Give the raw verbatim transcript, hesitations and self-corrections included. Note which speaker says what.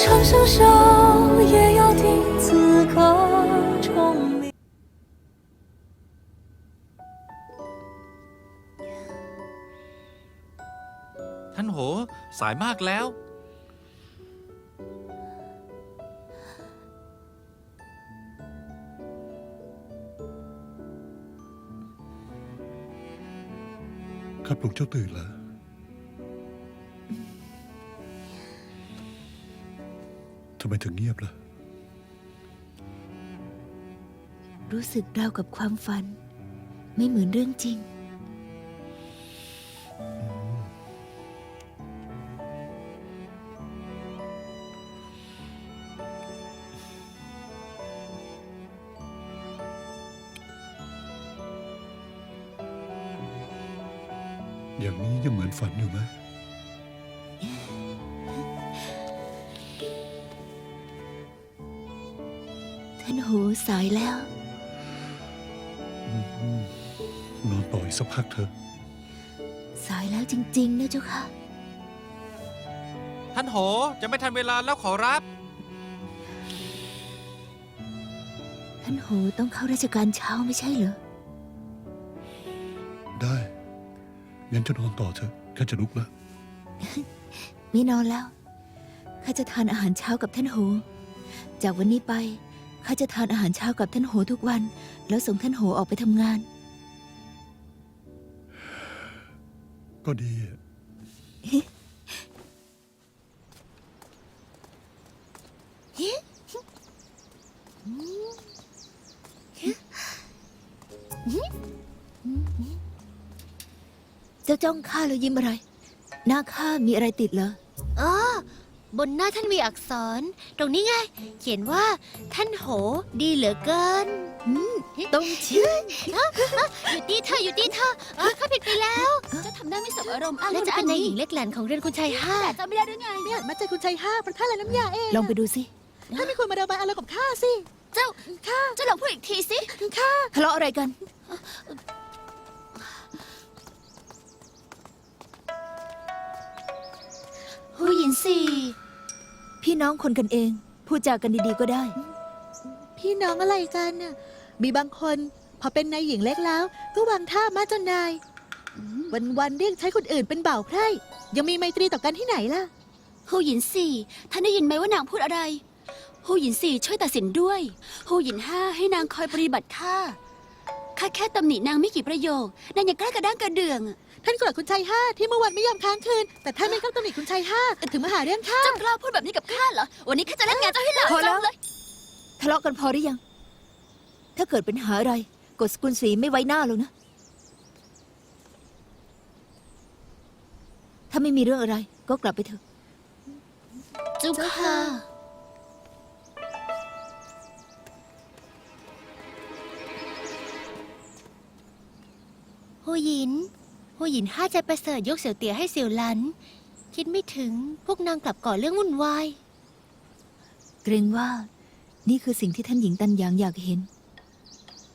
Speaker 1: 长相守，也要听此刻钟鸣。
Speaker 2: ท่านโหสายมากแล้ว
Speaker 3: ข้าปลุกเจ้าตื่นแล้วทำไมถึงเงียบล่ะ
Speaker 4: รู้สึกราวกับความฝัน ไม่เหมือนเรื่องจริง
Speaker 3: อย่างนี้ยังเหมือนฝันอยู่ไหม
Speaker 4: ท่านหูสายแล้ว
Speaker 3: นอนต่ออีกสักพักเถอะ
Speaker 4: สายแล้วจริงๆนะเจ้าค่ะ
Speaker 2: ท่านโหจะไม่ทันเวลาแล้วขอรับ
Speaker 4: ท่านหูต้องเข้าราชการเช้าไม่ใช่เหรอ
Speaker 3: ได้งั้นจะนอนต่อเถอะข้าจะลุกแล้ว
Speaker 4: ไม่นอนแล้ว ข้าจะทานอาหารเช้ากับท่านโห จากวันนี้ไป ข้าจะทานอาหารเช้ากับท่านโหทุกวัน แล้วส่งท่านโหออกไปทำงาน
Speaker 3: ก็ดี
Speaker 4: เจ้าจ้องข้าแล้วยิ้มอะไร หน้าข้ามีอะไรติดเหรอ
Speaker 5: อ๋อบนหน้าท่านมีอักษร ตรงนี้ไง เขียนว่า ท่านโหดีเหลือเกิน
Speaker 4: ต้องชื่อ
Speaker 5: อยู่ที่เธออยู่ที่เธอเออข้าผิดไปแล้วจะทำได้ไม่สบอารมณ์อ้างน่าจะเป็นนายหญิงเล็กแหลนของเรือนคุณชายห้าจำไม่ได้ด้วยไง
Speaker 6: เนี่ยมาเจอคุณชายห้าเพราะท่านละน้ำยาเอง
Speaker 4: ลองไปดูสิ
Speaker 6: ท่านไม่ควรมาระบายอารมณ์กับข้าสิ
Speaker 5: เจ้าข้าเจ้าลองพูดอีกทีสิ
Speaker 6: ข้า
Speaker 4: ทะเลาะอะไรกัน
Speaker 5: ผู้หญิงสี่
Speaker 4: พี่น้องคนกันเอง พูดจากันดีๆก็ได้
Speaker 6: พี่น้องอะไรกันน่ะมีบางคนพอเป็นนายหญิงเล็กแล้ว ก็วางท่ามาจนนาย วันๆเรียกใช้คนอื่นเป็นบ่าวไพร่ยังมีไมตรีต่อกันที่ไหนล่ะ
Speaker 5: ผู้หญิงสี่ท่านได้ยินไหมว่านางพูดอะไรผู้หญิงสี่ช่วยตัดสินด้วยผู้หญิงห้าให้นางคอยปฏิบัติข้าข้าแค่ตำหนินางไม่กี่ประโยคนางยังกล้ากระด้างกระเดื่อง
Speaker 6: ท่านโกรธคุณชายห้าที่เมื่อวันไม่ยอมค้างคืน แต่ท่านไม่เข้าตำหนิคุณชายห้าถึงมาหาเรื่องข้า
Speaker 5: เจ้ากล้าพูดแบบนี้กับข้าเหรอวันนี้ข้าจะเล่นงานเจ้าให้หลับ
Speaker 4: พอแล้ว
Speaker 5: จำเลย
Speaker 4: ทะเลาะกันพอหรือยัง ถ้าเกิดปัญหาอะไร กดสกุลสีไม่ไว้หน้าหรอกนะ ถ้าไม่มีเรื่องอะไร ก็กลับไปเถอะ
Speaker 5: เจ้าค่ะหูหยินหูหยินห้าใจประเสริฐยกเสี่ยวเตี๋ยให้เสี่ยวหลัน คิดไม่ถึงพวกนางกลับก่อเรื่องวุ่นวาย
Speaker 4: เกรงว่า นี่คือสิ่งที่ท่านหญิงตันหยางอยากเห็น